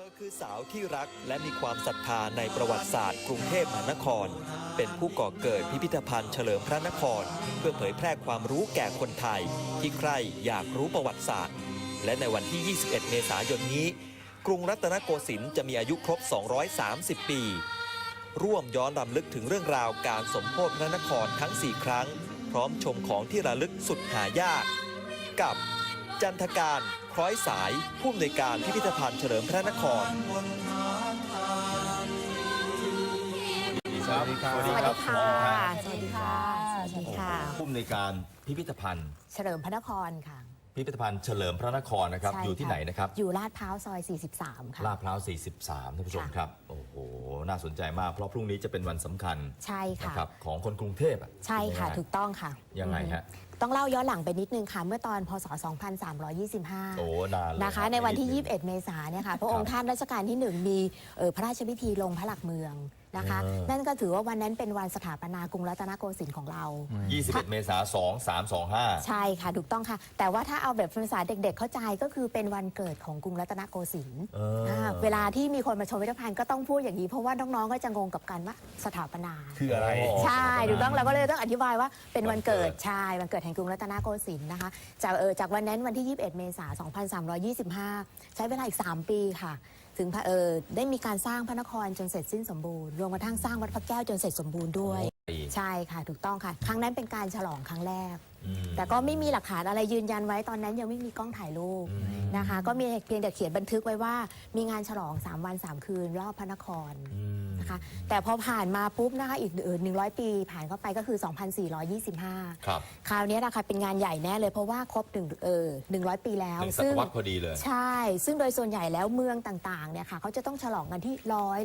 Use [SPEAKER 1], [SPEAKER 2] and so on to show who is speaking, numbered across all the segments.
[SPEAKER 1] อคือสาวที่รักและมีความศรัทธาในประวัติศาสตร์กรุงเทพมหานครเป็นผู้ก่อเกิดพิพิธภัณฑ์เฉลิมพระนครเพื่อเผยแพร่ความรู้แก่คนไทยที่ใคร่อยากรู้ประวัติศาสตร์และในวันที่ 21 เมษายนนี้กรุงรัตนโกสินทร์จะมีอายุครบ 230 ปี ร่วมย้อนรำลึกถึงเรื่องราวการสมโภชพระนครทั้ง 4 ครั้งพร้อมชมของที่ระลึกสุดหายากกับจันทการคล้อยสายผู้อำนวยการพิพิธภัณฑ์เฉลิมพระนคร
[SPEAKER 2] สวัสดีครับ
[SPEAKER 3] สวัสดีค่ะ
[SPEAKER 2] สวัสดีค่ะ
[SPEAKER 3] สวัสดีค่ะ
[SPEAKER 2] ผู้อำนวยการพิพิธภัณฑ์
[SPEAKER 3] เฉลิมพระนครค่ะ
[SPEAKER 2] พิพิธภัณฑ์เฉลิมพระนครนะครับ
[SPEAKER 3] ใช่
[SPEAKER 2] อยู่ที่ไหนนะครับ
[SPEAKER 3] อยู่ลาดพร้าวซอย 43 ค่ะ
[SPEAKER 2] ลาดพร้าว 43 ท่านผู้ชม
[SPEAKER 3] ค่ะ
[SPEAKER 2] ครับ โอ้โห น่าสนใจมาก เพราะพรุ่งนี้จะเป็นวันสำคัญ
[SPEAKER 3] ใช่ค่ะ
[SPEAKER 2] นะครับของคนกรุงเทพอะ
[SPEAKER 3] ใช่ค่ะ
[SPEAKER 2] ไหม
[SPEAKER 3] ถูกต้องค่ะ
[SPEAKER 2] ยังไงฮะ
[SPEAKER 3] ต้องเล่าย้อนหลังไปนิดนึงค่ะ เมื่อตอนพศ 2325
[SPEAKER 2] โอ้นานเลย
[SPEAKER 3] นะคะ ในวันที่ 21 เมษายนเนี่ยค่ะพระองค์ท่านรัชกาลที่ 1 มีพระราชพิธีลงพระหลักเมืองนะคะ นั่นก็ถือว่าวันนั้นเป็นวันสถาปนากรุงรัตนโกสินทร์ของเรา
[SPEAKER 2] 21 เมษายน 2325
[SPEAKER 3] ใช่ค่ะถูกต้องค่ะ แต่ว่าถ้าเอาแบบภาษาเด็กๆเข้าใจก็คือเป็นวันเกิดของกรุงรัตนโกสินทร์เวลาที่มีคนมาชมพิพิธภัณฑ์ก็ต้องพูดอย่างนี้เพราะว่าน้องๆก็จะงงกับการว่าสถาปนา
[SPEAKER 2] คืออะไร
[SPEAKER 3] ใช่ถูกต้องเราก็เลยต้องอธิบายว่าเป็นวันเกิดใช่วันเกิดแห่งกรุงรัตนโกสินทร์นะคะจากวันนั้นวันที่ 21 เมษายน 2325 ใช้เวลาอีก 3 ปีค่ะถึงได้มีการสร้างพระนครจนเสร็จสิ้นสมบูรณ์รวมกระทั่งสร้างวัดพระแก้วจนเสร็จสมบูรณ์ด้วยใช่ค่ะถูกต้องค่ะครั้งนั้นเป็นการฉลองครั้งแรกแต่ก็ไม่มีหลักฐานอะไรยืนยันไว้ตอนนั้นยังไม่มีกล้องถ่ายรูปนะคะก็มีเพียงแต่เขียนบันทึกไว้ว่ามีงานฉลอง3 วัน 3 คืนรอบพระนครนะคะแต่พอผ่านมาปุ๊บนะคะอีก100 ปีผ่านเข้าไปก็คือ 2425
[SPEAKER 2] ครับ
[SPEAKER 3] คราวนี้นะคะเป็นงานใหญ่แน่เลยเพราะว่าครบ100 ปีแล้ว
[SPEAKER 2] 1 ศตวรรษพอดีเลย
[SPEAKER 3] ใช่ ซึ่งโดยส่วนใหญ่แล้วเมืองต่างๆเนี่ยค่ะเขาจะต้องฉลองกันที่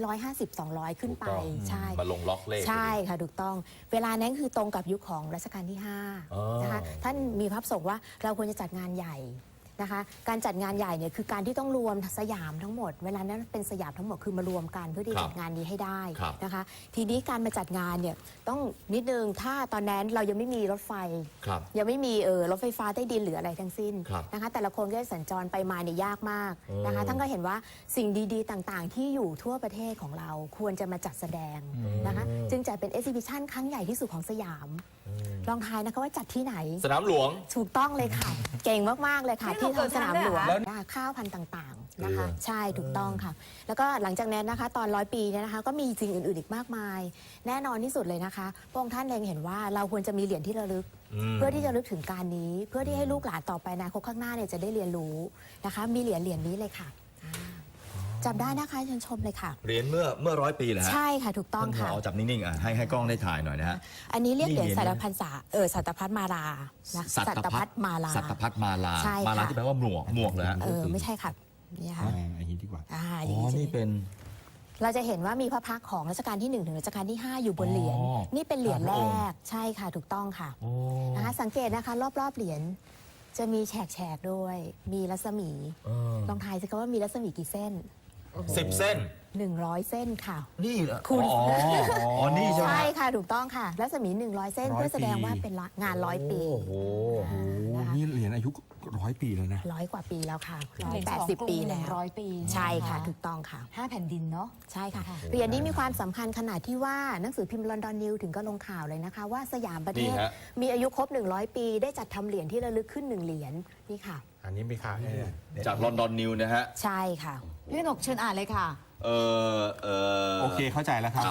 [SPEAKER 3] 150 200 ขึ้นไป
[SPEAKER 2] ถูกต้อง
[SPEAKER 3] ใช่
[SPEAKER 2] มาลงล็อกเลข
[SPEAKER 3] ใช่ค่ะถูกต้อง เวลานั้นคือตรงกับยุคของรัชกาลที่
[SPEAKER 2] อ๋อ
[SPEAKER 3] 5นะคะท่านมีพระประสงค์ว่าเราควรจะจัดงานใหญ่นะคะการจัดงานใหญ่เนี่ยคือการที่ต้องรวมสยามทั้งหมดเวลานั้นเป็นสยามทั้งหมดคือมารวมกันเพื่อที่
[SPEAKER 2] ครับ
[SPEAKER 3] จัดงานนี้ให้ได้
[SPEAKER 2] ครับ
[SPEAKER 3] นะคะทีนี้การมาจัดงานเนี่ยต้องนิดนึงถ้าตอนนั้นเรายังไม่มีรถไฟ
[SPEAKER 2] ครับ
[SPEAKER 3] ยังไม่มีรถไฟฟ้าใต้ดินหรืออะไรทั้งสิ้น
[SPEAKER 2] ครับ
[SPEAKER 3] นะคะแต่ละคนก็สัญจรไปมาเนี่ยยากมากนะคะท่านก็เห็นว่าสิ่งดีๆต่างๆ ที่อยู่ทั่วประเทศของเราควรจะมาจัดแสดงนะคะจึงจัดเป็น exhibition ครั้งใหญ่ที่สุดของสยามลองทายนะคะว่าจัดที่ไหน
[SPEAKER 2] สนามหลวง
[SPEAKER 3] ถูกต้องเลยค่ะ เก่งมากๆเลยค่ะ
[SPEAKER 4] นี่
[SPEAKER 3] ที่
[SPEAKER 4] เรา
[SPEAKER 3] ทางสนามหลวง
[SPEAKER 4] เปิดทางด้วยเหรอ
[SPEAKER 3] ข้าวพันธุ์ต่างๆนะคะใช่ถูกต้องค่ะ แล้วก็หลังจากนั้นนะคะตอน100 ปีเนี่ยนะคะก็มีสิ่งอื่นๆอีกมากมาย แน่นอนที่สุดเลยนะคะพระองค์ท่านเล็งเห็นว่าเราควรจะมีเหรียญที่ระลึก เพื่อที่จะลึกถึงการนี้ เพื่อที่ให้ลูกหลานต่อไปอนาคตข้างหน้าเนี่ยจะได้เรียนรู้นะคะมีเหรียญนี้เลยค่ะจับได้นะคะเชิญชมเลยค่ะ
[SPEAKER 2] เหรียญเมื่อ100 ปีเหรอฮะ
[SPEAKER 3] ใช่ค่ะถูกต้อง
[SPEAKER 2] ท่านผ
[SPEAKER 3] ค่ะ
[SPEAKER 2] อจับนิ่งๆให้กล้องได้ถ่ายหน่อยนะฮะ
[SPEAKER 3] อันนี้เรียกเหรียญ
[SPEAKER 2] นี่เหรียญ
[SPEAKER 3] สัตพันษาสัตพัฒมาลานะสัตพัฒมาลา
[SPEAKER 2] สัตพัฒมาลา
[SPEAKER 3] ใช่ค่ะ
[SPEAKER 2] มาลาที่แปลว่าหมวกเหรอฮะ
[SPEAKER 3] ไม่ใช่ค่ะนี่ค่ะ
[SPEAKER 5] อันนี้ดีกว่า
[SPEAKER 2] อ๋อนี่เป็น
[SPEAKER 3] เราจะเห็นว่ามีพระพักตร์ของรัชกาลที่ 1 ถึงรัชกาลที่ 5 อยู่บนเหรียญ
[SPEAKER 2] อ๋อ
[SPEAKER 3] นี่เป็นเหรียญ
[SPEAKER 2] พ
[SPEAKER 3] แร
[SPEAKER 2] ระองค์
[SPEAKER 3] กใช่ค่ะถูกต้องค่ะ
[SPEAKER 2] โอ้
[SPEAKER 3] นะคะสังเกตนะคะรอบๆเหรียญจะมีแฉกๆด้วย มีรัศมี ลองทายสิคะว่ามีรัศมีกี่เส้น
[SPEAKER 2] 10 เส้น
[SPEAKER 3] 100 เส้นค่ะ
[SPEAKER 2] นี่เหรอ
[SPEAKER 3] คุณ
[SPEAKER 2] อ๋อนี่ใช่ไหม
[SPEAKER 3] ใช่ค่ะถูกต้องค่ะรัศมี 100 เส้น
[SPEAKER 5] 100
[SPEAKER 3] เพื่อแสดงว่าเป็นงาน100 ปี
[SPEAKER 2] โอ้โห
[SPEAKER 5] โอ้นี่เหรียญอายุ100 ปีแล้วนะ
[SPEAKER 3] 100 กว่าปีแล้วค่ะ
[SPEAKER 4] เหรียญของกรุง
[SPEAKER 3] 180 ปีแล้ว
[SPEAKER 4] 100 ปี
[SPEAKER 3] ใช่ค่ะถูกต้องค่ะ
[SPEAKER 4] 5 แผ่นดินเนาะ
[SPEAKER 3] ใช่ค่ะเหรียญนี้มีความสำคัญขนาดที่ว่าหนังสือพิมพ์ลอนดอนนิวถึงก็ลงข่าวเลยนะคะ ว่าสยามประเทศ
[SPEAKER 2] นี่ฮะ
[SPEAKER 3] มีอายุครบ 100 ปี ได้จัดทำเหรียญที่ระลึกขึ้น 1 เหรียญนี่ค่ะ
[SPEAKER 5] อันนี้มีค่าเนี่ย
[SPEAKER 2] จากลอนดอนนิวนะฮะ
[SPEAKER 3] ใช่ค่ะ
[SPEAKER 4] พี่หนกเชิญอ่านเลยค่ะ
[SPEAKER 5] โอเคเข้าใจแล้วครับ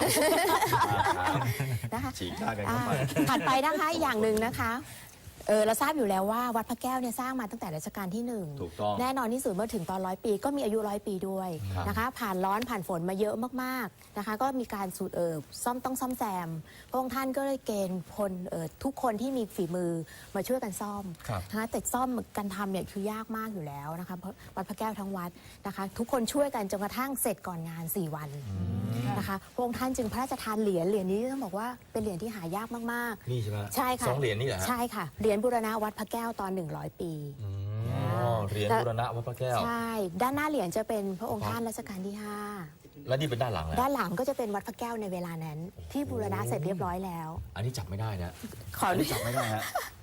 [SPEAKER 3] นะคะ
[SPEAKER 2] ฉีกหน้ากันเข้าไป
[SPEAKER 3] ถัดไปนะคะอย่างหนึ่งนะคะเราทราบอยู่แล้วว่าวัดพระแก้วเนี่ยสร้างมาตั้งแต่รัชกาลที่ 1
[SPEAKER 2] ถูกต้อง
[SPEAKER 3] แน่นอนที่สุดเมื่อถึงตอน100 ปีก็มีอายุ100 ปีด้วย
[SPEAKER 2] ครับ
[SPEAKER 3] นะคะผ่านร้อนผ่านฝนมาเยอะมากๆนะคะก็มีการสูตรต้องซ่อมแซมพระองค์ท่านก็เลยเกณฑ์พลทุกคนที่มีฝีมือมาช่วยกันซ่อม
[SPEAKER 5] ครับ
[SPEAKER 3] นะคะแต่ซ่อมกันทำเนี่ยคือยากมากอยู่แล้วนะคะเพราะวัดพระแก้วทั้งวัดนะคะทุกคนช่วยกันจนกระทั่งเสร็จก่อนงาน 4 วันนะคะพระองค์ท่านจึงพระราชทานเหรียญนี้ต้องบอกว่าเป็นเหรียญที่หายากมากๆ
[SPEAKER 2] นี่ใช่ไหม
[SPEAKER 3] ใช่ค่ะ
[SPEAKER 2] 2 เหรียญนี่เหรอฮะ
[SPEAKER 3] ใช่ค่ะเหรียญบูรณะวัดพระแก้วตอน 100 ปี
[SPEAKER 2] อ๋อเหรียญบูรณะวัดพระแก้ว
[SPEAKER 3] ใช่ด้านหน้าเหรียญจะเป็นพระองค์ท่านรัชกาลที่
[SPEAKER 2] แล้วนี่เป็นด้านหลัง
[SPEAKER 3] 5
[SPEAKER 2] แล้ว
[SPEAKER 3] ด้านหลังก็จะเป็นวัดพระแก้วในเวลานั้น ที่บูรณะเสร็จเรียบร้อยแล้ว
[SPEAKER 2] อันนี้จับไม่ได้นะ
[SPEAKER 3] ขอ
[SPEAKER 2] อันนี้จับไม่ได้ฮะผ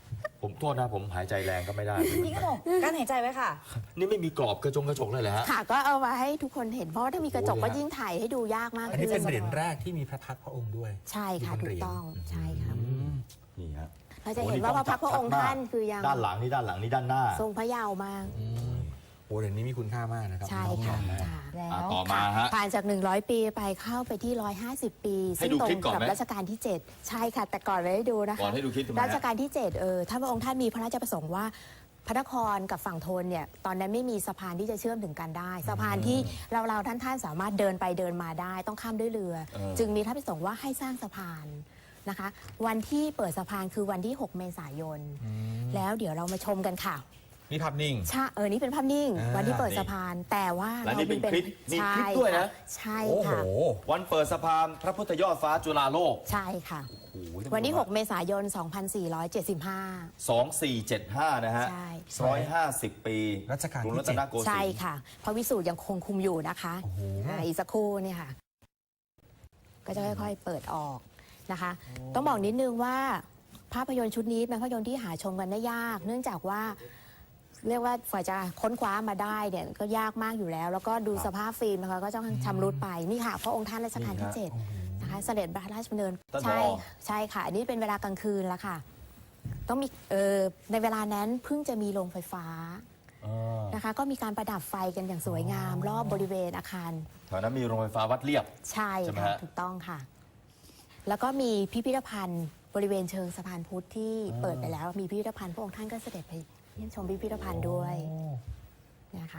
[SPEAKER 2] ผมโทษนะผมหายใจแรงก็ไม่ได้
[SPEAKER 4] พี่กนกกั้นหายใจไว้ค่ะ
[SPEAKER 2] นี่ไม่มีกรอบกระจกเลยเหรอฮะ
[SPEAKER 3] ค่ะก็เอามาให้ทุกคนเห็นเพราะว่าถ้ามีกระจกก็ยิ่งถ่ายให้ดูยากมาก
[SPEAKER 5] อันนี้เป็นเหรียญแรกที่มีพระพักตร์พระองค์ด้วย
[SPEAKER 3] ใช่ค่ะ
[SPEAKER 5] ที่
[SPEAKER 3] ถู
[SPEAKER 5] เป็นเหรียญ
[SPEAKER 3] กต้องใช่ค่ะ
[SPEAKER 2] นี่ฮะ
[SPEAKER 3] เราจะเห็นว่าพระพักตร์พระองค์ท่านคือยัง
[SPEAKER 2] ด้านหลังนี่ด้านหลังนี่ด้านหน้า
[SPEAKER 3] ทรงพระเยาว์มาก
[SPEAKER 5] โอ้เหรียญนี้มีคุณค่ามากนะครับ
[SPEAKER 3] ใช่ค่ะ
[SPEAKER 5] น้องๆนะ
[SPEAKER 3] ค่ะ
[SPEAKER 4] แล้ว
[SPEAKER 2] ต่อมาฮะ
[SPEAKER 3] ผ่านจาก 100 ปีไปเข้าไปที่ 150 ปี
[SPEAKER 2] ให้
[SPEAKER 3] ซึ่ง
[SPEAKER 2] ดู
[SPEAKER 3] ตร
[SPEAKER 2] คลิป
[SPEAKER 3] ง
[SPEAKER 2] ก่อน
[SPEAKER 3] กับ
[SPEAKER 2] ไหม
[SPEAKER 3] รัชกาลที่ 7 ใช่ค่ะ แต่ก่อนเลยให้ดูนะคะ
[SPEAKER 2] ก่อนให้ดูคลิปทำไมฮะ
[SPEAKER 3] รัชกาลที่ 7ท่านพระองค์ท่านมีพระราชประสงค์ว่าพระนครกับฝั่งธนเนี่ยตอนนั้นไม่มีสะพานที่จะเชื่อมถึงกันได้สะพานที่เราท่านสามารถเดินไปเดินมาได้ต้องข้ามด้วยเรือ จึงมีพระราชประสงค์ว่าให้สร้างสะพานนะคะ วันที่เปิดสะพานคือวันที่ 6 เมษายน แล้วเดี๋ยวเรามาชมกันค่ะ
[SPEAKER 5] นี่ภาพนิ่ง
[SPEAKER 3] ใช่นี่เป็นภาพนิ่ง
[SPEAKER 5] อ่า
[SPEAKER 3] วันที่เปิดสะพานแต่ว่า
[SPEAKER 2] และนี่เป็นคลิปมี
[SPEAKER 3] ใช่
[SPEAKER 2] คลิปด้วยนะ
[SPEAKER 3] ใช่
[SPEAKER 5] โอ้โห
[SPEAKER 3] ค่ะ
[SPEAKER 2] วันเปิดสะพานพระพุทธยอดฟ้าจุฬาโลก
[SPEAKER 3] ใช่ค่ะ
[SPEAKER 2] โอ้โห
[SPEAKER 3] วันที่ 6 เมษายน 2475
[SPEAKER 2] 2475 นะฮะ
[SPEAKER 3] ใช่
[SPEAKER 2] 150 ปี
[SPEAKER 5] รัชกาลที่
[SPEAKER 2] กรุงรัตนโกสินทร์
[SPEAKER 3] ใช่ค่ะพระวิสูตรยังคงคุมอยู่นะคะ
[SPEAKER 5] โอ้โห
[SPEAKER 3] อีกสักครู่เนี่ยค่ะ ก็จะค่อยๆเปิดออกนะคะ ต้องบอกนิดนึงว่าภาพยนตร์ชุดนี้เป็นภาพยนตร์ที่หาชมกันได้ยาก เนื่องจากว่า เรียกว่าฝ่ายจะค้นคว้ามาได้เนี่ยก็ยากมากอยู่แล้ว แล้วก็ดูสภาพฟิล์มนะคะก็ต้องชำรุดไปนี่ค่ะพระองค์ท่านรัชกาลที่ 7 นะคะเสด็จพระราชดำเนิน
[SPEAKER 2] ท่านผอ
[SPEAKER 3] ใช่ค่ะ อันนี้เป็นเวลากลางคืนแล้วค่ะ ต้องมีในเวลานั้นเพิ่งจะมีโรงไฟฟ้านะคะ ก็มีการประดับไฟกันอย่างสวยงาม รอบบริเวณอาคาร
[SPEAKER 2] แถวนั้นมีโรงไฟฟ้าวัดเรียบ
[SPEAKER 3] ใช่
[SPEAKER 2] ใช่ไหม
[SPEAKER 3] ค่ะ
[SPEAKER 2] ฮะ
[SPEAKER 3] ถูกต้องค่ะ แล้วก็มีพิพิธภัณฑ์บริเวณเชิงสะพานพุทธที่เปิดไปแล้ว มีพิพิธภัณฑ์พระองค์ท่านก็เสด็จไปเยี่ยมชมพิพิธภัณฑ์ด้วยนะคะ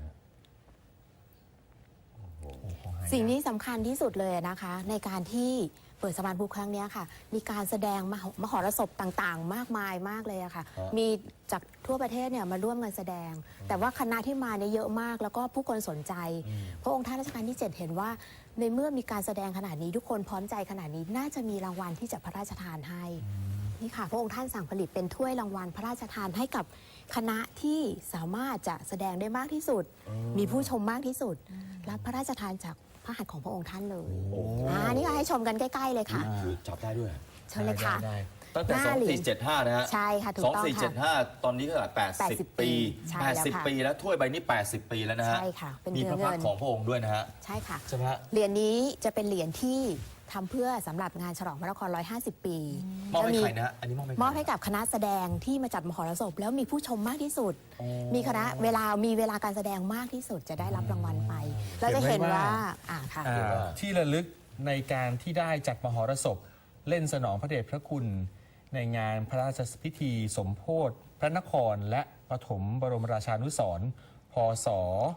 [SPEAKER 3] สิ่งที่สำคัญที่สุดเลยนะคะ ในการที่เปิดสะพานพุทธครั้งนี้ค่ะ มีการแสดงมหรสพต่างๆ มากมายมากเลยอะค่ะ มีจากทั่วประเทศเนี่ยมาร่วมกันแสดง แต่ว่าคณะที่มาเนี่ยเยอะมาก แล้วก็ผู้คนสนใจ พระองค์ท่านรัชกาลที่ 7 เห็นว่า ในเมื่อมีการแสดงขนาดนี้ทุกคนพร้อมใจขนาดนี้น่าจะมีรางวัลที่จะพระราชทานให้ นี่ค่ะพระองค์ท่านสั่งผลิตเป็นถ้วยรางวัลพระราชทานให้กับคณะที่สามารถจะแสดงได้มากที่สุด มีผู้ชมมากที่สุด รับพระราชทานจากพระหัตถ์ของพระองค์ท่านเลยนี่ก็ให้ชมกันใกล้ๆเลยค่ะ
[SPEAKER 2] คือจับได้ด้วย
[SPEAKER 3] เชิญเลยค่ะ
[SPEAKER 2] ตั้งแต่
[SPEAKER 3] หน้าเหรียญ
[SPEAKER 2] 2475 นะฮะ
[SPEAKER 3] ใช่ค่ะถูกต้องค่ะ
[SPEAKER 2] 2475 ตอนนี้ก็80 ปี
[SPEAKER 3] ใช่แล้วค่ะ
[SPEAKER 2] 80 ปีแล้วถ้วยใบนี้ 80 ปีแล้วนะฮะ
[SPEAKER 3] ใช่ค่ะเป็น
[SPEAKER 2] มี
[SPEAKER 3] เนื้
[SPEAKER 2] พ
[SPEAKER 3] อ
[SPEAKER 2] ระพักต
[SPEAKER 3] เงิน
[SPEAKER 2] ร์ของพระองค์ด้วยนะฮะ
[SPEAKER 3] ใช่ค่ะ
[SPEAKER 2] ใช่ไหมฮะ
[SPEAKER 3] เหรียญนี้จะเป็นเหรียญที่ทำเพื่อสำหรับงานฉลองพระนคร 150 ปี
[SPEAKER 2] มอบให้
[SPEAKER 3] จะ
[SPEAKER 2] ใครนะฮะอันนี้มอบให้
[SPEAKER 3] มอบให้กับคณะแสดงที่มาจัดมหรสพแล้วมีผู้ชมมากที่สุด มีคณะมีเวลาการแสดงมากที่สุดจะได้รับรางวัลไป เราจะเห็นว่าค่ะ
[SPEAKER 5] ที่ระลึกในการที่ได้จัดมหรสพเล่นสนองพระเดชพระคุณ ในงานพระราชพิธีสมโภชพระนครและปฐมบรมราชานุสรณ์พศ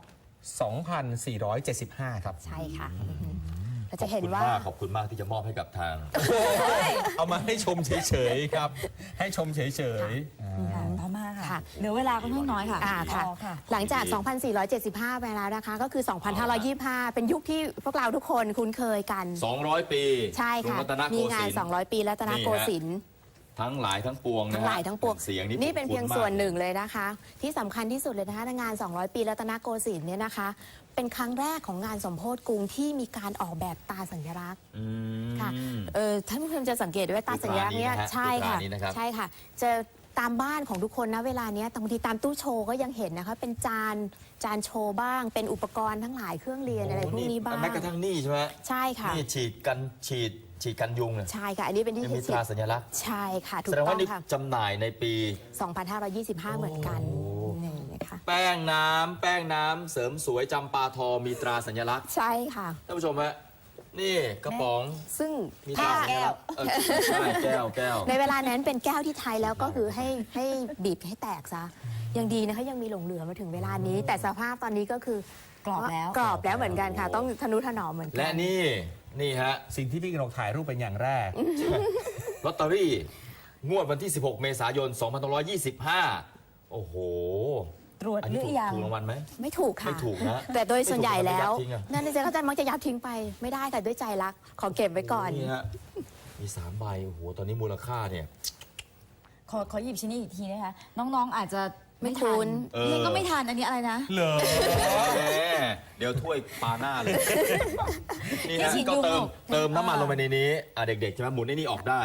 [SPEAKER 5] 2475 ครับ
[SPEAKER 3] ใช่ค่ะเราจะเห็นว่า
[SPEAKER 2] ขอบคุณมากที่จะมอบให้กับทาง
[SPEAKER 5] เอามาให้ชมเฉยๆครับ ให้ชมเฉยๆ
[SPEAKER 4] ต่อมาค่ะ
[SPEAKER 3] ค่ะ
[SPEAKER 4] เหลือเวลาค่อนข้างน้อยค่ะ
[SPEAKER 3] ค่ะ
[SPEAKER 4] รอค่ะ
[SPEAKER 3] หลังจาก 2475 ไปแล้วนะคะ ก็คือ 2525 เป็นยุคที่พวกเราทุกคนคุ้นเคยกัน
[SPEAKER 2] 200 ปี
[SPEAKER 3] ใช่ค่ะ
[SPEAKER 2] กรุงรัตนโก
[SPEAKER 3] มี
[SPEAKER 2] สิ
[SPEAKER 3] งาน
[SPEAKER 2] นทร์
[SPEAKER 3] 200 ปีรัตนโกสินทร์
[SPEAKER 2] ทั้งหลายทั้งปวงนะฮะ
[SPEAKER 3] ทั้งหลายทั้งปวง
[SPEAKER 2] เสียง
[SPEAKER 3] นี่เป็นเพียง
[SPEAKER 2] คุ้ๆ
[SPEAKER 3] ส่วนหนึ่ง
[SPEAKER 2] มาก
[SPEAKER 3] เลยนะคะ ที่สำคัญที่สุดเลยนะคะในงาน 200 ปีรัตนโกสินทร์เนี่ยนะคะ เป็นครั้งแรกของงานสมโภชกรุงที่มีการออกแบบตาสัญลักษณ์
[SPEAKER 2] อืม
[SPEAKER 3] ค่ะท่านผู้ชมจะสังเกตด้วยตาสัญลักษณ์เนี่ย
[SPEAKER 2] คือตรานี้นะฮะ
[SPEAKER 3] ใช่ค่ะ
[SPEAKER 2] คือตรานี้นะครับ
[SPEAKER 3] ใช่ค่ะจะตามบ้านของทุกคนนะเวลาเนี้ยบางทีตามตู้โชว์ก็ยังเห็นนะคะเป็นจานโชว์บ้าง เป็นอุปกรณ์ทั้งหลายเครื่องเรียนอะไรพวกนี้บ้าง
[SPEAKER 2] แม้กระทั่งนี่ใช่ไหม
[SPEAKER 3] ใช่ค่ะ
[SPEAKER 2] นี่ฉีดกันยุงเนี่ย
[SPEAKER 3] ใช่ค่ะ อันนี้เป็นที่
[SPEAKER 2] ยังมีตราสัญลักษณ์
[SPEAKER 3] ใช่ค่ะถู
[SPEAKER 2] แส
[SPEAKER 3] ก
[SPEAKER 2] ดง
[SPEAKER 3] ต้อ
[SPEAKER 2] ว่าง นี่
[SPEAKER 3] ค่ะ
[SPEAKER 2] จำหน่ายในปี
[SPEAKER 3] 2525 เหมือนกันนี่นะคะ
[SPEAKER 2] แป้งน้ำเสริมสวยจำปาทอมีตราสัญลักษณ์
[SPEAKER 3] ใช่ค่ะ
[SPEAKER 2] ท่านผู้ชมฮะนี่กระป๋อง
[SPEAKER 3] ซึ่ง
[SPEAKER 2] มีต
[SPEAKER 3] ถ้า
[SPEAKER 2] ราสัญลักษณ์ใช่แก้ว
[SPEAKER 3] ในเวลานั้นเป็นแก้วที่ไทยแล้วก็คือให้บีบให้แตกซะยังดีนะคะยังมีหลงเหลือมาถึงเวลานี้ แต่สภาพตอนนี้ก็คือก
[SPEAKER 4] รอบแล้ว
[SPEAKER 3] กรอบแล้วเหมือนกันค่ะ ต้องทนุถนอมเหมือนกั
[SPEAKER 2] และนี่ฮะ
[SPEAKER 5] สิ่งที่พี่กนกถ่ายรูปเป็นอย่างแรก
[SPEAKER 2] ลอตเตอรี่งวดวันที่ 16 เมษายน 2525 โอ้โห
[SPEAKER 4] ตรวจ
[SPEAKER 2] อัน
[SPEAKER 4] ห
[SPEAKER 2] นี้
[SPEAKER 4] รือยัง
[SPEAKER 2] ถูกรางวัลไหม
[SPEAKER 3] ไม่ถูกค่ะ
[SPEAKER 2] ไม่ถูกนะ
[SPEAKER 3] แต่โดยส่วนใหญ่แล้ว
[SPEAKER 2] ไม่ถูกก็ยัดทิ้งอะ
[SPEAKER 3] นั่นนี่เขาจะมักจะยัดทิ้งไปไม่ได้ค่ะด้วยใจรักขอเก็บไว้ก่อน
[SPEAKER 2] นี่ฮะมี3ใบโอ้โหตอนนี้มูลค่าเนี่ย
[SPEAKER 4] ขอหยิบชิ้นนี้อีกทีนะคะ น้องๆอาจจะ
[SPEAKER 3] ไม่คุ้น
[SPEAKER 4] นี่ก็ไม่ทันอันนี้อะไรนะ
[SPEAKER 5] เหรอ
[SPEAKER 2] แหมเดี๋ยวถ้วยปาหน้าเลย นี่
[SPEAKER 4] นี่
[SPEAKER 2] ฮะ
[SPEAKER 4] ฉีด
[SPEAKER 2] ก็
[SPEAKER 4] ยุง
[SPEAKER 2] เติมน้ำมัน
[SPEAKER 4] เออ
[SPEAKER 2] ลงไปในนี้เด็กๆใช่ไหมหมุนไอ้นี่ออกได้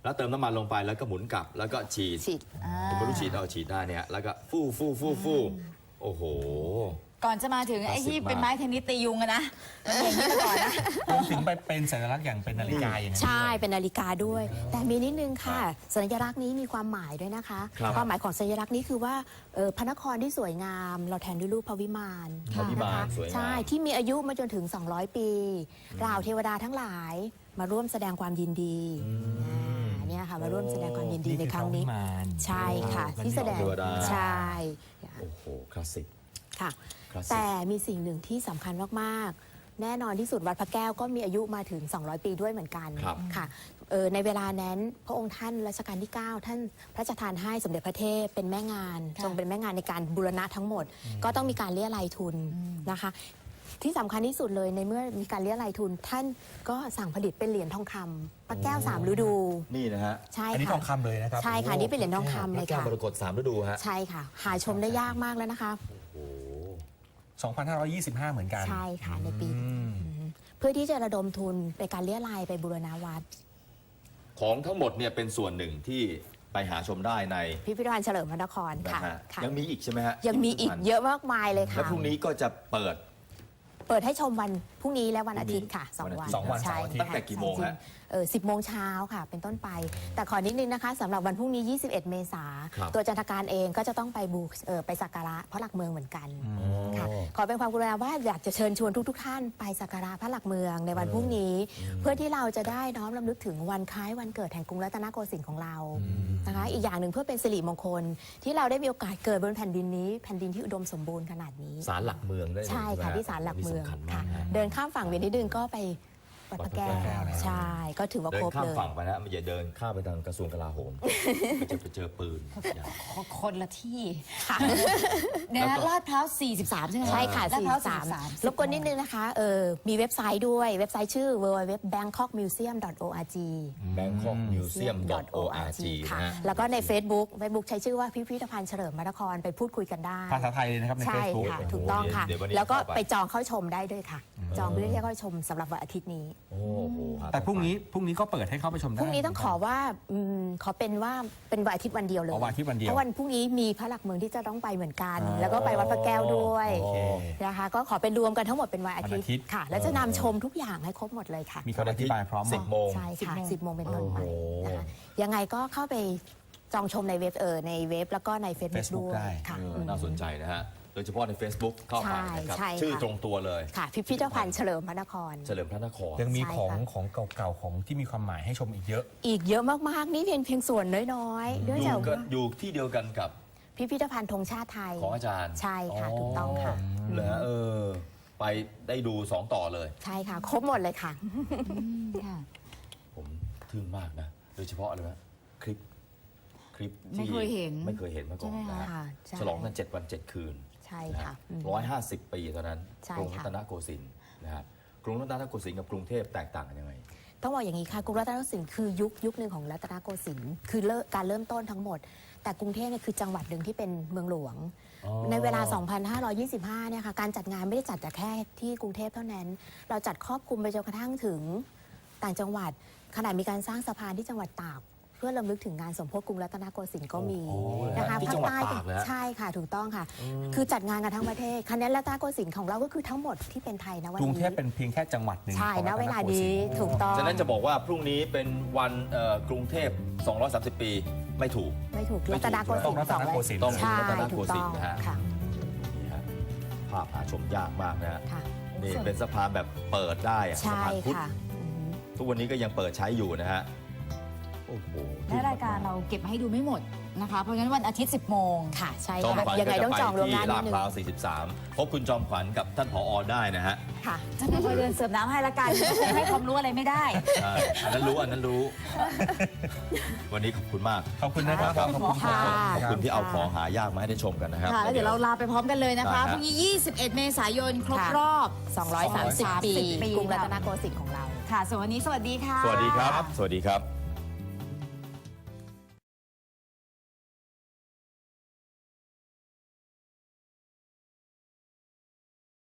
[SPEAKER 2] แล้วเติมน้ำมันลงไปแล้วก็หมุนกลับแล้วก็ฉีด
[SPEAKER 3] ฉีด
[SPEAKER 2] ผมไม่รู้ฉีดเอาฉีดได้เนี่ยแล้วก็ฟู่โอ้โห
[SPEAKER 4] ก่อนจะมาถึงไอ้ที่เป็นไม้เทนนิสตียุงอะนะอย่างนี้มาก่อนนะ
[SPEAKER 5] ถึงไปเป็นสัญลักษณ์อย่างเป็นนาฬิกาอย่างนั้น
[SPEAKER 3] ใช่เป็นนาฬิกาด้วย แต่มีนิดนึงค่ะ สัญลักษณ์นี้มีความหมายด้วยนะคะ
[SPEAKER 2] ครับ
[SPEAKER 3] ความหมายของสัญลักษณ์นี้คือว่าพระนครที่สวยงาม เราแทนด้วยรูปพระวิมาน
[SPEAKER 2] พระวิมาน
[SPEAKER 3] นะคะ
[SPEAKER 2] สวยงาม
[SPEAKER 3] ใช่ที่มีอายุมาจนถึง 200 ปีเหล่าเทวดาทั้งหลายมาร่วมแสดงความยินดีเนี่ยค่ะมาร่วมแสดงความยินดีในครั้งนี้
[SPEAKER 5] นี่คือพระวิมาน
[SPEAKER 3] ใช่ค่ะที่แสดง
[SPEAKER 2] เทวดา
[SPEAKER 3] ใช่
[SPEAKER 2] โอ้โหคลาสสิก
[SPEAKER 3] ค่ะ
[SPEAKER 2] คลาสสิก
[SPEAKER 3] แต่มีสิ่งหนึ่งที่สำคัญมากๆ แน่นอนที่สุดวัดพระแก้วก็มีอายุมาถึง 200 ปีด้วยเหมือนกัน
[SPEAKER 2] ครับ
[SPEAKER 3] ค่ะในเวลานั้นพระองค์ท่านรัชกาลที่ 9 ท่านพระราชทานให้สมเด็จพระเทพเป็นแม่งาน
[SPEAKER 4] ค่ะ
[SPEAKER 3] ทรงเป็นแม่งานในการบูรณะทั้งหมด ก็ต้องมีการเรียรายทุนนะคะ ที่สำคัญที่สุดเลยในเมื่อมีการเรียรายทุน ท่านก็สั่งผลิตเป็นเหรียญทองคำพระแก้ว3ฤดู
[SPEAKER 2] นี่นะฮะ
[SPEAKER 3] ใช่
[SPEAKER 5] อันนี้
[SPEAKER 3] ค่ะ
[SPEAKER 5] ทองคำเลยนะครับ
[SPEAKER 3] ใช่ค่ะนี่เป็นเหรียญทองคำ
[SPEAKER 2] พ
[SPEAKER 3] เล
[SPEAKER 2] ระ
[SPEAKER 3] ย
[SPEAKER 2] แก้ว
[SPEAKER 3] ค่ะ
[SPEAKER 2] มรกต3ฤดูฮะ
[SPEAKER 3] ใช่ค่ะ หาชมได้ยากมากแล้วนะคะ
[SPEAKER 2] โอ้โห
[SPEAKER 5] 2525 เหมือนกัน
[SPEAKER 3] ใช่ค่ะในปี
[SPEAKER 5] อืม
[SPEAKER 3] เพื่อที่จะระดมทุนไปการเลี้ยรายไปบูรณาวัด
[SPEAKER 2] ของทั้งหมดเนี่ยเป็นส่วนหนึ่งที่ไปหาชมได้ใน
[SPEAKER 3] พิพิธภัณฑ์เฉลิมพระนคร
[SPEAKER 2] นะ
[SPEAKER 3] ค่ะ
[SPEAKER 2] ฮะ
[SPEAKER 3] ค่ะ
[SPEAKER 2] ยังมีอีกใช่ไหมฮะ
[SPEAKER 3] ยังมีอีกเยอะมากมายเลย
[SPEAKER 2] แล้
[SPEAKER 3] ค่ะ
[SPEAKER 2] วพรุ่งนี้ก็จะเปิด
[SPEAKER 3] เปิดให้ชมวันพรุ่งนี้และวันอาทิตย์ค่ะ
[SPEAKER 2] วันอาทิตย์
[SPEAKER 3] 2 วัน
[SPEAKER 5] สองวัน
[SPEAKER 3] ใช่
[SPEAKER 5] เสาร์อาทิตย์
[SPEAKER 2] ตั้งแต่กี่โมงฮะ
[SPEAKER 3] 10 โมงเช้าค่ะ เป็นต้นไป แต่ขอนิดนึงนะคะสำหรับวันพรุ่งนี้ 21 เมษา
[SPEAKER 2] ครับ
[SPEAKER 3] ตัวจันทการเองก็จะต้องไปไปสักการะพระหลักเมืองเหมือนกันค่ะขอเป็นความกรุณาว่าอยากจะเชิญชวนทุกๆท่านไปสักการะพระหลักเมืองในวันพรุ่งนี้ เพื่อที่เราจะได้น้อมรำลึกถึงวันคล้ายวันเกิดแห่งกรุงรัตนโกสินทร์ของเรานะคะ อีกอย่างหนึ่งเพื่อเป็นสิริมงคล ที่เราได้มีโอกาสเกิดบนแผ่นดินนี้แผ่นดินที่อุดมสมบูรณ์ขนาดนี้
[SPEAKER 2] ศาลหลักเมืองได้เลย
[SPEAKER 3] ใช่ค่ะ
[SPEAKER 2] ไหมฮ
[SPEAKER 3] ที่ศาลหลักเมือง
[SPEAKER 2] สำคัญมา
[SPEAKER 3] ค่ะ
[SPEAKER 2] กฮะ
[SPEAKER 3] เดินข้ามฝั่งเวียนนิดนึงก็ไปวัดพระแก้ว
[SPEAKER 2] วัดพระแก้วนะ
[SPEAKER 3] ใช่ก็ถือว่า
[SPEAKER 2] เดิ
[SPEAKER 3] คร
[SPEAKER 2] น
[SPEAKER 3] บ
[SPEAKER 2] ข้าม
[SPEAKER 3] เลย
[SPEAKER 2] ฝั่งไปนะมันอย่าเดินข้ามไปทางกระทรวงกลาโหม มันจะไปเจอปืนอย่า
[SPEAKER 4] คนละที่
[SPEAKER 3] ค่ะ
[SPEAKER 4] เนี่ย
[SPEAKER 2] แล้ว
[SPEAKER 4] นะ
[SPEAKER 2] ก็
[SPEAKER 4] ลาดพร้าว 43 ใช่ไหม
[SPEAKER 3] ใช่ค่ะ
[SPEAKER 4] ลาดพร้าว
[SPEAKER 3] 43รบกวนนิดนึงนะคะมีเว็บไซต์ด้วยเว็บไซต์ชื่อ www.bangkokmuseum.org
[SPEAKER 2] bangkokmuseum.org
[SPEAKER 3] ค่ะ
[SPEAKER 2] นะฮะ
[SPEAKER 3] แล้วก็ใน Facebook ใช้ชื่อว่าพิพิธภัณฑ์เฉลิมพระนครไปพูดคุยกันได้
[SPEAKER 5] ภาษาไทยเลยนะครับใน
[SPEAKER 3] ใช่
[SPEAKER 5] Facebook
[SPEAKER 3] ค่ะ ถูกต้องค่ะ
[SPEAKER 2] เดี๋ยววันนี้
[SPEAKER 3] แล้วก็
[SPEAKER 2] เข้าไป
[SPEAKER 3] ไปจองเข้าชมได้ด้วยค่ะ จองเพื่อที่จะเข้าชมสำหรับวันอาทิตย์นี้
[SPEAKER 2] โอ้โหหา
[SPEAKER 5] แต่พรุ่งนี้ก็เปิดให้เข้าไปชมได้
[SPEAKER 3] พรุ่งนี้ต้องขอว่าขอเป็นว่าเป็นวันอาทิตย์วันเดียวเลย
[SPEAKER 5] อ๋อวันอาทิตย์วันเดียว
[SPEAKER 3] เพราะวันพรุ่งนี้มีพระหลักเมืองที่จะต้องไปเหมือนกัน แล้วก็ไปวัดพระแก้วด้วย
[SPEAKER 2] โอเค
[SPEAKER 3] นะคะก็ขอเป็นรวมกันทั้งหมดเป็นวันอาทิต
[SPEAKER 5] วันอาทิต
[SPEAKER 3] ย์
[SPEAKER 5] ย์
[SPEAKER 3] ค่ะ แล้วจะนำชมทุกอย่างให้ครบหมดเลยค่ะ
[SPEAKER 5] มีคำอธิบายพร้อมหมด
[SPEAKER 2] 10 โมง
[SPEAKER 3] ใช่ค่ะ 10 โมงเป็นต้นไป
[SPEAKER 2] โอ้โห
[SPEAKER 3] นะคะยังไงก็เข้าไปจองชมในเว็บแล้วก็ใน Facebook
[SPEAKER 5] Facebook
[SPEAKER 3] ด้วย
[SPEAKER 5] ได้
[SPEAKER 3] ค่ะ
[SPEAKER 2] น่าสนใจนะฮะ โดยเฉพาะใน Facebook เข้าไปนะครับ
[SPEAKER 3] ใช่ค่ะ
[SPEAKER 2] ชื่อตรงตัวเลย
[SPEAKER 3] ค่ะ พิพิธภัณฑ์เฉลิมพระนคร
[SPEAKER 2] เฉลิมพระนคร
[SPEAKER 5] ยังมี
[SPEAKER 3] ใช่
[SPEAKER 5] ของ
[SPEAKER 3] ค่ะ
[SPEAKER 5] ของเก่าๆของที่มีความหมายให้ชมอีกเยอะ
[SPEAKER 3] อีกเยอะมากๆนี่เพียงส่วนน้อยๆด้วย
[SPEAKER 2] อ
[SPEAKER 3] จาก
[SPEAKER 2] ยู่ก็
[SPEAKER 3] ว่า
[SPEAKER 2] อยู่ที่เดียวกันกับ
[SPEAKER 3] พิพิธภัณฑ์ธงชาติไทย
[SPEAKER 2] ของอาจารย์
[SPEAKER 3] ใช่ค่ะถูกต้องค่ะ
[SPEAKER 2] เหรอไปได้ดู 2 ต่อเลย
[SPEAKER 3] ใช่ค่ะ ครบหมดเลยค่ะ
[SPEAKER 4] ค่ะ
[SPEAKER 2] ผมทึ่งมากนะ โดยเฉพาะอะไรวะคลิปที่
[SPEAKER 4] ไม่เคยเห็น
[SPEAKER 2] ไม่เคยเห็นมาก่อน
[SPEAKER 4] ใช่ไหม
[SPEAKER 2] นะ
[SPEAKER 4] คะ
[SPEAKER 2] ฮะ
[SPEAKER 3] ค่ะใช่
[SPEAKER 2] ฉลองกัน7 วัน 7 คืน
[SPEAKER 3] ใช่ค่ะ
[SPEAKER 2] 150 ปีตอนนั้น
[SPEAKER 3] ใช่
[SPEAKER 2] กรุง
[SPEAKER 3] ค่ะ
[SPEAKER 2] รัตนโกสินทร์นะฮะกรุงรัตนโกสินทร์กับกรุงเทพแตกต่างกันยังไง
[SPEAKER 3] ต้องบอกอย่างนี้ค่ะกรุงรัตนโกสินทร์คือยุคหนึ่งของรัตนโกสินทร์คือการเริ่มต้นทั้งหมด แต่กรุงเทพเนี่ยคือจังหวัดหนึ่งที่เป็นเมืองหลวง
[SPEAKER 2] อ๋อ
[SPEAKER 3] ในเวลา 2525 เนี่ยค่ะการจัดงานไม่ได้จัดแต่แค่ที่กรุงเทพเท่านั้น เราจัดครอบคลุมไปจนกระทั่งถึงต่างจังหวัดขณะมีการสร้างสะพานที่จังหวัดตากเพื่อรำลึกถึงงานสมโภชกรุงรัตนโกสินทร์ก็มี
[SPEAKER 2] โอ้โห
[SPEAKER 3] นะคะ
[SPEAKER 2] ที่จังหวัดตากเลยฮะ
[SPEAKER 3] ใช่ค่ะถูกต้องค่ะ คือจัดงานกันทั้งประเทศคะแนนรัตนโกสินทร์ของเราก็คือทั้งหมดที่เป็นไทยนะวัน
[SPEAKER 5] กรุ
[SPEAKER 3] นี้
[SPEAKER 5] งเทพเป็นเพียงแค่จังหวัดหนึ่ง
[SPEAKER 3] ใช่
[SPEAKER 5] ของ
[SPEAKER 3] ณ
[SPEAKER 5] รัต
[SPEAKER 3] เวลา
[SPEAKER 5] โก
[SPEAKER 3] นี้
[SPEAKER 5] สินทร์
[SPEAKER 3] ถูกต้อง
[SPEAKER 2] ฉะนั้นจะบอกว่าพรุ่งนี้เป็นวันกรุงเทพ 230 ปีไม่ถูก
[SPEAKER 3] ไม่ถูก
[SPEAKER 2] ไม่ถูก
[SPEAKER 3] รัตนโกสินทร์
[SPEAKER 5] ต้องรัตนโกสินทร์
[SPEAKER 2] ต้อง
[SPEAKER 3] ใช่
[SPEAKER 2] รัตนโก
[SPEAKER 3] ถูก
[SPEAKER 2] สิ
[SPEAKER 3] ต้
[SPEAKER 2] น
[SPEAKER 3] อง
[SPEAKER 2] ทร์นะฮะ
[SPEAKER 3] ค่ะ
[SPEAKER 2] นี่ฮะภาพหาชมยากมากนะฮะ
[SPEAKER 3] ค่ะ
[SPEAKER 2] นี่เป็นสะพานแบบเปิดได้อะสะ
[SPEAKER 3] ใช่
[SPEAKER 2] พานพุทธ
[SPEAKER 3] ค่ะอือหือ
[SPEAKER 2] ทุกวันนี้ก็ยังเปิดใช้อยู่นะฮะ โอ้โห
[SPEAKER 4] และรายการเราเก็บมาให้ดูไม่หมดนะคะ เพราะงั้นวันอาทิตย์ 10 โมง
[SPEAKER 3] ค่ะใช่
[SPEAKER 2] จอม
[SPEAKER 3] ค่ะ
[SPEAKER 2] ขวัญ
[SPEAKER 3] ยังไง
[SPEAKER 2] ก็
[SPEAKER 3] ต้องจองล่วงหน้า
[SPEAKER 2] ที่
[SPEAKER 3] นิ
[SPEAKER 2] ลา
[SPEAKER 3] ด
[SPEAKER 2] ด
[SPEAKER 3] นึง
[SPEAKER 2] พร้าว 43 พบคุณจอมขวัญกับท่านผอได้นะฮะ
[SPEAKER 3] ค่ะ
[SPEAKER 4] จะไม่ค่อยเดินเสิร์ฟน้ำให้ละกัน ให้ความรู้อะไรไม่ได้
[SPEAKER 2] ใช่อันนั้นรู้ วันนี้ขอบคุณมาก
[SPEAKER 5] ขอบคุณนะครับ
[SPEAKER 2] ครับ
[SPEAKER 5] ขอบคุณครับ
[SPEAKER 2] ขอบคุณที่เอาของหายากมาให้ได้ชมกันนะครับ
[SPEAKER 4] ค่ะ แล้วเดี๋ยวเราลาไปพร้อมกันเลยนะคะ
[SPEAKER 2] ได้ฮะ
[SPEAKER 4] พรุ่งนี้ 21 เมษายน ครบ
[SPEAKER 3] ค่ะ
[SPEAKER 4] รอบ
[SPEAKER 3] 230 ปี
[SPEAKER 4] ปี
[SPEAKER 3] กรุงรัตนโกสินทร์ของเรา
[SPEAKER 4] ค่ะส่วนวันนี้สวัสดีค่ะ
[SPEAKER 2] สวัสดีครับ สวัสดีครับ